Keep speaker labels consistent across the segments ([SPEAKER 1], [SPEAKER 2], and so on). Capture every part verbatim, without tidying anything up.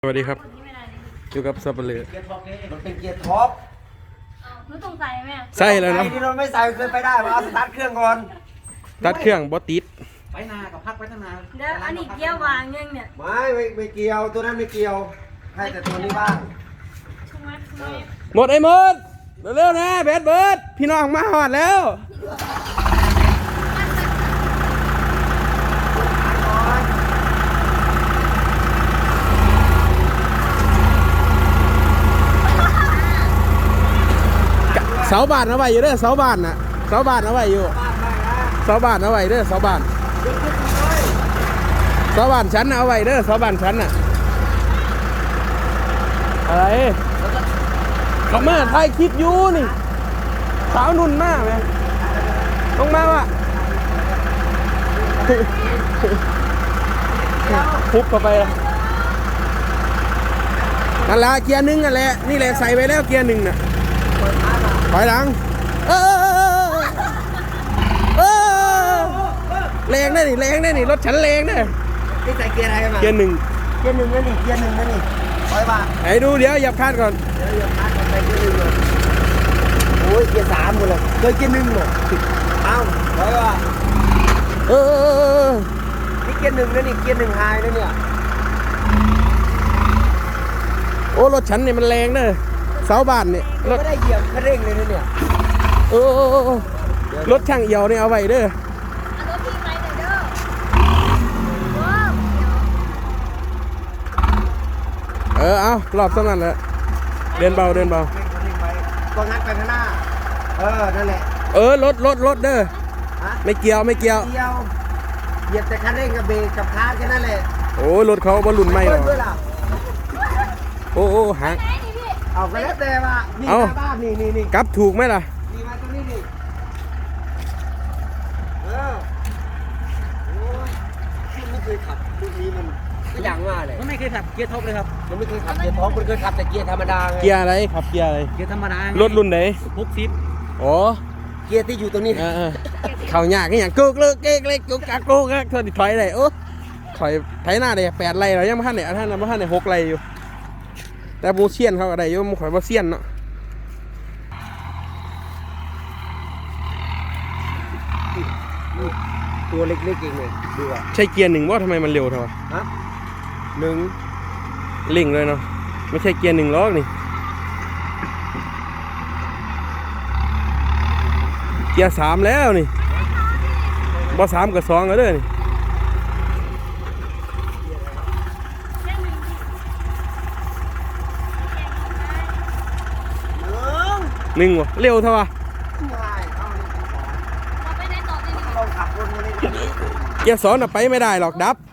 [SPEAKER 1] สวัสดีครับอยู่กับสับปะเลอ
[SPEAKER 2] มันเป็นเกียร์ท็อป
[SPEAKER 3] รู้ตรงใส่ไหม
[SPEAKER 1] ใส่แล้วเนาะ
[SPEAKER 2] ที่เราไม่ใส่เคยไปได้มาเอาสตาร์ทเครื่องก่อน
[SPEAKER 1] ตัดเครื่องบอติด
[SPEAKER 4] ไปนากับพักไปทั้งนา
[SPEAKER 3] เดี๋ยวอันนี้เกี่ยววางยังเนี่ย
[SPEAKER 2] ไม่ไม่ไม่เกี่ยวตัวนั้นไม่เกี่ยวให้แต่ตัวนี้บ้าง
[SPEAKER 3] ช่วยช่วย
[SPEAKER 1] หมดไอ้หมดเร็วๆนะแบดเบิร์ดพี่น้องมาหอดแล้วเสาบ้านเอาไว้อยู่เด้อเสาบ้านน่ะเสาบ้านเอาไว้อยู่เสาบ้านเอาไว้เด้อเสาบ้านเสาบ้านฉันเอาไว้เด้อเสาบ้านฉันน่ะอะไรเขามาถ่ายคลิปอยู่นี่สาวนุ่นมากไหมต้องมาวะพุบเข้าไปนั่นละเกียร์หนึ่งนั่นแหละนี่แหละใส่ไปแล้วเกียร์หนึ่งน่ะถอยหลังเออเออแรงได้นี่แรงได้นี่รถฉันแรงได้
[SPEAKER 2] ที่ใส่เกียร์อะไรกันมา
[SPEAKER 1] เกียร์หนึ่ง
[SPEAKER 2] เกียร์หนึ่งนั่นนี่เกียร์หนึ่งนั่นนี่ถอยมา
[SPEAKER 1] ไหนดูเดี๋ยวหยับคาดก่อน
[SPEAKER 2] เดี๋ยวหยับคาดก่อนไปเกียร์หนึ่งเลยโอ้ยเกียร์สามหมดเลยเคยเกียร์หนึ่งหมดเอ้าถอยมา
[SPEAKER 1] เออ
[SPEAKER 2] นี่เกียร์หนึ่งนั่นนี่เกียร์หนึ่งไฮนั่นเนี่ย
[SPEAKER 1] โอ้รถฉันนี่มันแรงเด้อเสาบ้านนี่
[SPEAKER 2] รถไม่ได้เหยียบคันเร่งเลยนะเนี่ย
[SPEAKER 1] โอ้รถช่างเอี่ยวนี่เอาไว้เด้อ
[SPEAKER 3] เอารถพี่ไปหน่อยเด้อว้าว
[SPEAKER 1] เออเอารอบสักนั้นแหละเดินเบาเดินเบา
[SPEAKER 2] ก็งัดไปข้างหน้าเออนั่นแหละ
[SPEAKER 1] เออรถรถรถเด้อไม่เกี่ยวไม่เกี่ยว
[SPEAKER 2] เกี่ยวเหยียบแต่คันเร่งกับเบรกกับคาร์แค่นั้นแหละ
[SPEAKER 1] โอ้รถเขาบอลลุ่นไม่หรอโอ้โอ้หาง
[SPEAKER 2] เอาไปแล้วแต่ว่านี่หน้าบ้านนี่นี่นี่
[SPEAKER 1] กลับถูกไหมล่ะ
[SPEAKER 2] นี่มาตรงนี้นี่เออโอ้ยที่ไม่เคยขับรุ่นนี้มันก็อย่างว่าเลย
[SPEAKER 4] มันไม่เคยขับเกียร์ท็อปเลยครับ
[SPEAKER 2] มันไม่เคยขับเกียร์ท้องมันเคยขับแต่เกียร์ธรรมดาไง
[SPEAKER 1] เกียร์อะไรขับเกียร์อะไร
[SPEAKER 4] เกียร์ธรรมดาร
[SPEAKER 1] ถรุ่นไหน
[SPEAKER 4] พกซิป
[SPEAKER 1] อ๋อ
[SPEAKER 2] เกียร์ที่อยู่ตรงนี้
[SPEAKER 1] เออเข่าหยากอย่างกุกเลิกเก๊กเล็กกุกกักกุกกักเธอติดถอยเลยโอ้ถอยไถหน้าเลยแปดไรเรายังไม่ทันเนี่ยท่านเราไม่ทันเนี่ยหกไรอยู่แต่บูเซียนเขาอะไรอยู่มันข่อยบูเซียนเนาะ
[SPEAKER 2] ตัวเล็กๆเองเลยดูอ่ะ
[SPEAKER 1] ใช่เกียร์หนึ่งว่าทำไมมันเร็วเท่า
[SPEAKER 2] ฮะหนึ่ง
[SPEAKER 1] เร่งเลยเนาะไม่ใช่เกียร์หนึ่งล้อนี่เกียร์สามแล้วนี่บอสามกับสองแล้วเด้อนี่หนึ่งวะเร็วเท่าไหร่เกียร์สองน่ะไปไม่ได้หรอกดับ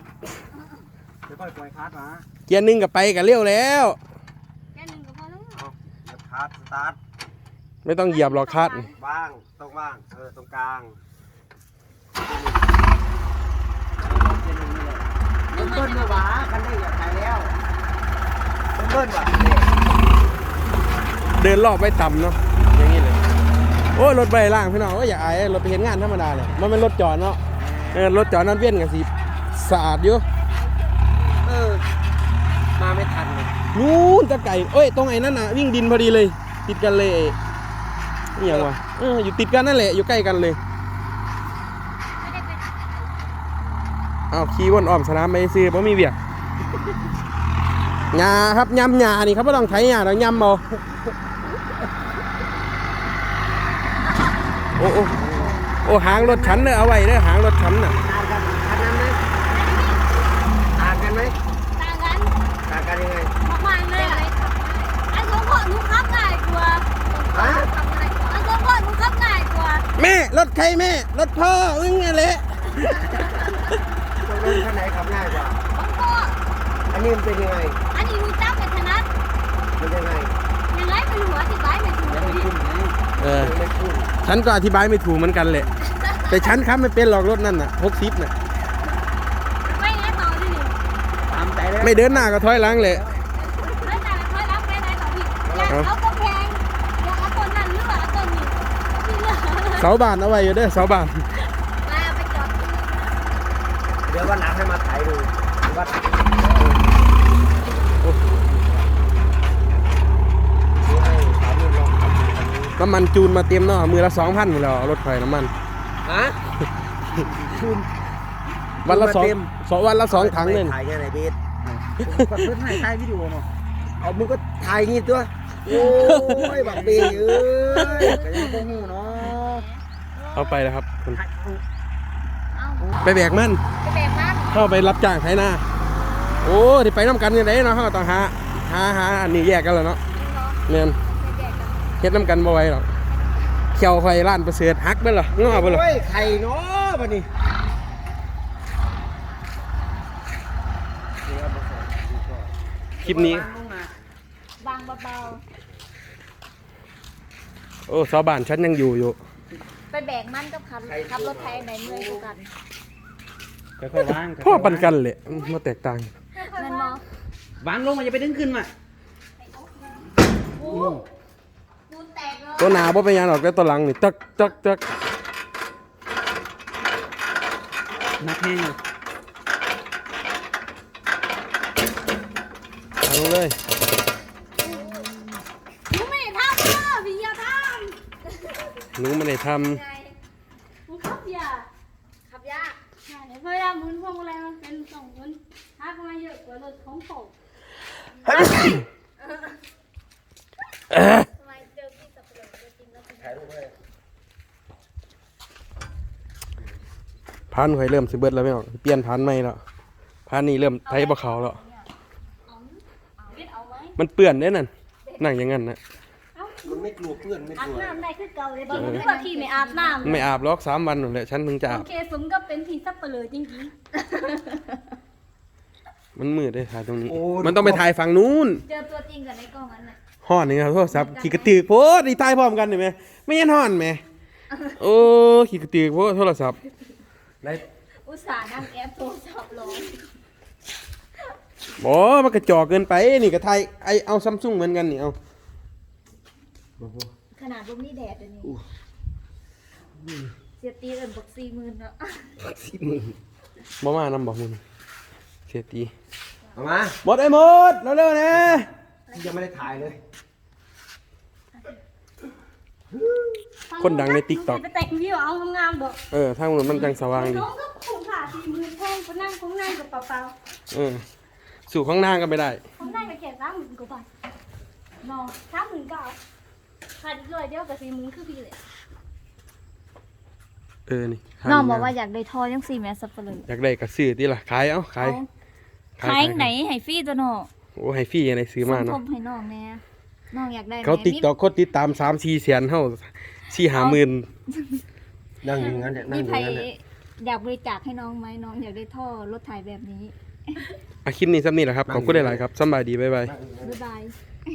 [SPEAKER 1] เกียร์หนึ่งกับไปกับเร็วแล้ว
[SPEAKER 2] คาร์สตาร์ท
[SPEAKER 1] ไม่ต้องเหยียบหรอกคาร์
[SPEAKER 2] ว่างตรงว่างเออตรงกลางเบิ้ลเบิ้ลมาหวาคันนี้อยากขายแล้วเบิ้ลว่ะ
[SPEAKER 1] เดินรอบไปต่ำเนาะอย่างนี้เลยโอ้รถใบล่างพี่น้องก็อยากไอ้รถไปเห็นงานธรรมดาเลยมันเป็นรถจอดเนาะเออรถจอดนั่นเวียนกันสิสะอาดอยู่
[SPEAKER 2] เออมาไม่ทันเลย
[SPEAKER 1] นู้นตะไก่เอ้ยตรงไอ้นั่นน่ะวิ่งดินพอดีเลยติดกันเลยนี่อย่างวะเอออยู่ติดกันนั่นแหละอยู่ใกล้กันเลยอ้าวขี่วนอ้อมสนามไปซื้อเพราะมีเบียร์หญ้าครับยำหญ้านี่ครับไม่ต้องไถหญ้าเรายำเอาโอ้โอ้โอ้หางรถฉันเนี่ยเอาไว้เนี่ยหางรถฉันน่ะ
[SPEAKER 2] ต่างกันไหม
[SPEAKER 3] ต่างกัน
[SPEAKER 2] ต่างกันยังไง
[SPEAKER 3] มากๆเลยไอ้สองคนหนูขับง่ายกว่าฮะไอ้สองคนหนูขับง่ายกว่า
[SPEAKER 1] แม่รถใครแม่รถพ่ออึ้งอะไร
[SPEAKER 2] รถคันไหนขับง่ายกว่า
[SPEAKER 3] ของพ่อ
[SPEAKER 2] อันนี้มันเป็นยังไง
[SPEAKER 3] อันนี้หนูจับกับถนัด
[SPEAKER 2] มันยังไง
[SPEAKER 3] ยังไงเป็นหัวที่ร้ายไม่ถูก
[SPEAKER 1] เออฉันก็อธิบายไม่ถูกเหมือนกันแหละแต่ฉันครับไม่เป็นหรอกรถนั่นน่ะหกสิบน่ะ
[SPEAKER 3] ไม่ไงต่อที่นี่
[SPEAKER 2] ตามใจเลย
[SPEAKER 1] ไม่เดินหน้าก็ถอยหลังเลย
[SPEAKER 3] ไม่แต่ถอยหลังไปไหนต่อพี่อยากเอากระแพงอยากเอาต้นนั้นหรือว่าเอาต้นนี้
[SPEAKER 1] เสาบ้านเอาไว้อยู่เด้อเสาบ้าน
[SPEAKER 3] มาไปจอด
[SPEAKER 2] เดี๋ยววันหลังให้มาถ่ายดูว่า
[SPEAKER 1] น้ำมันจูนมาเต็มเนาะมือละสองพันหมดแล้วรถไฟน้ำมัน
[SPEAKER 2] ฮะคุณ
[SPEAKER 1] วันละสอง
[SPEAKER 2] จูนมาเต็ม
[SPEAKER 1] สองวันละสองถังเลย
[SPEAKER 2] ถ่ายแค่ไหนเบส
[SPEAKER 4] ปัดเพื่อนให้ถ่ายวิดีโอเนาะ
[SPEAKER 2] เอามึงก็ถ่ายงี้ตัวโอ้ยบักเบยเอ้ย
[SPEAKER 4] แต่ยังโกหูเนาะ
[SPEAKER 1] เอาไปแล้วครับคุณ
[SPEAKER 4] ถ่ายเอา
[SPEAKER 3] เอา
[SPEAKER 1] ไปแบกมัน
[SPEAKER 3] ไปแบกมัน
[SPEAKER 1] เข้าไปรับจ้างไถนาโอ้ที่ไปน้ำกันยังไงเนาะเขาก็ต้องหาหาหาอันนี้แยกกันแล้วเนาะ
[SPEAKER 3] เนาะ
[SPEAKER 1] เนี่ย
[SPEAKER 3] ไปแบกกัน
[SPEAKER 1] เฮ็ดน้ำกันบ่ไหวหรอกเขียวไฟล้านประเสริฐหักเบิ่เหรองอเบิ่เหรอ
[SPEAKER 2] โอ้ยไข่เนาะบัดนี้
[SPEAKER 1] คลิปนี้
[SPEAKER 4] วางลงนะ
[SPEAKER 3] บางเบา
[SPEAKER 1] โอ้ชาวบ้านฉันยังอยู่อยู่
[SPEAKER 3] ๆไปแบกมันกับขับขับรถไถไหนเมื่อยกว่ากัน
[SPEAKER 4] ค่อยๆวาง
[SPEAKER 1] พ่อปันกันเลยมาแตกต่าง
[SPEAKER 3] นั่นมอง
[SPEAKER 4] วางลงมันจะไปดึงขึ้นมา
[SPEAKER 3] โอ้ปูนแตกเลย
[SPEAKER 1] ตัวหนาบ่เป็นหยังหรอกแต่ตัวหลังนี่จักจักจัก
[SPEAKER 4] นักแห้งอยู่
[SPEAKER 1] ทางเลย
[SPEAKER 3] หนูไม่ได้ทำเด้อพี่อย่าท
[SPEAKER 1] หนูไม่ได้ท
[SPEAKER 3] ำไงหนูขับยากขับยากใช่เพราะว่าหมุนพวงมาลัยมันเป็นสองหมุนทักมาเยอะกว่ารถของผม
[SPEAKER 1] ำเอ๊ะ
[SPEAKER 3] ทำไมเจอพี่สับเปลือกตัวจริงแล้วเป็น
[SPEAKER 2] ถ่ายรูปให้
[SPEAKER 1] พันข่อยเริ่มสิเบิดแล้วไม่ออกเปลี่ยนพันใหม่แล้วพันนี้เริ่มไทยบ่เขาแล้ว
[SPEAKER 3] เอาเอาเบ็ดเอาไหม
[SPEAKER 1] มันเปื้อนเด้นั่นนั่งอย่างนั้นนะ
[SPEAKER 2] มันไม่กลัวเพื่อนไม่
[SPEAKER 3] อาก บ
[SPEAKER 2] ลัว
[SPEAKER 3] น้ำได้คือเก่าเลยบางทีว่าพี่ไม่อาบน้ำ
[SPEAKER 1] ไม่อาบหรอกสามวันนั่นแหละฉันถึงจะอา
[SPEAKER 3] โอบ เคสมก็เป็นพี่สับเปลือกจริง
[SPEAKER 1] มันมืดได้ถ่ายตรงนี้ มันต้องไปถ่ายฝั่งนู้น
[SPEAKER 3] ๆเจอตัวจริงกับในกล้องนั้นน่ะ
[SPEAKER 1] ห่อนนี่ครับโทรศัพท์ขี่กระตือกโพดดีถ่ายพร้อมกันเห็นไหมไม่ยันห่อนไหมโอ้ขี่กระตือกโพดโทรศัพท์
[SPEAKER 2] ใน
[SPEAKER 3] อุตส่าห์นั่งแอปโทรศัพท์ลง
[SPEAKER 1] บ่มันกระจอกเกินไปนี่ก็ถ่ายไอเอาซัมซุงเหมือนกันนี่เอา
[SPEAKER 3] ขนาดลมนี่แดดอันนี้เสียตีเอินบอกสี่หมื่นเนาะ
[SPEAKER 2] สิบหมื่น
[SPEAKER 1] บ่มานำบอกมึงเสียตี
[SPEAKER 2] เอามา
[SPEAKER 1] หมดไอ้หมดเร็วๆนะ
[SPEAKER 2] ยังไม่ได้ถ่ายเลย
[SPEAKER 1] คนดังใน TikTok
[SPEAKER 3] ไปแต่งวิวเอางามๆดอก
[SPEAKER 1] เออทางนู้นมันจังสว่างดี
[SPEAKER 3] น้องก็คุ้มค่าสี่หมื่นแพงก็นั่งคุ้มนั่งกับเปล่า
[SPEAKER 1] เออสู่ข้างหน้าก็ไม่ได้
[SPEAKER 3] ๆคุ้มนั่งกับแค่สามหมื่นกว่าบาทน้องสามหมื่นเก้าขาดอีกร้อยเดียวกับสี่หมื่นคือพี่เลย
[SPEAKER 1] เออนี่
[SPEAKER 3] น้องบอกว่าอยากได้ทอยังสี่แม่สับเปลือก
[SPEAKER 1] อยากได้กระซื้อที่ล่ะขายเอ้าขาย
[SPEAKER 3] ขายไหนให้ฟรีตัวน้อง
[SPEAKER 1] โอ้ให้ฟรีอะไรซื้อมา
[SPEAKER 3] สมท
[SPEAKER 1] เนาะ
[SPEAKER 3] บให้น้องแน่น้องอยากได้ไหน
[SPEAKER 1] เขาติ๊กต็อกคนติดตามสามสี่แสนเท่าสี่ห้าหมื่น
[SPEAKER 2] นั่งอยู่งั้นเนี่ยนั่
[SPEAKER 3] มี
[SPEAKER 2] งอ
[SPEAKER 3] ใคร
[SPEAKER 2] ยู่งั้นเนี่ย
[SPEAKER 3] อยากบริจาคให้น้องไหมน้องอยากได้ท่อรถถ่ายแบบนี้
[SPEAKER 1] อาคลิปนี้ซ้ำนี่แหละครับขอบคุณหลายๆครับสำบายดีบ๊ายบาย
[SPEAKER 3] บ๊ายบาย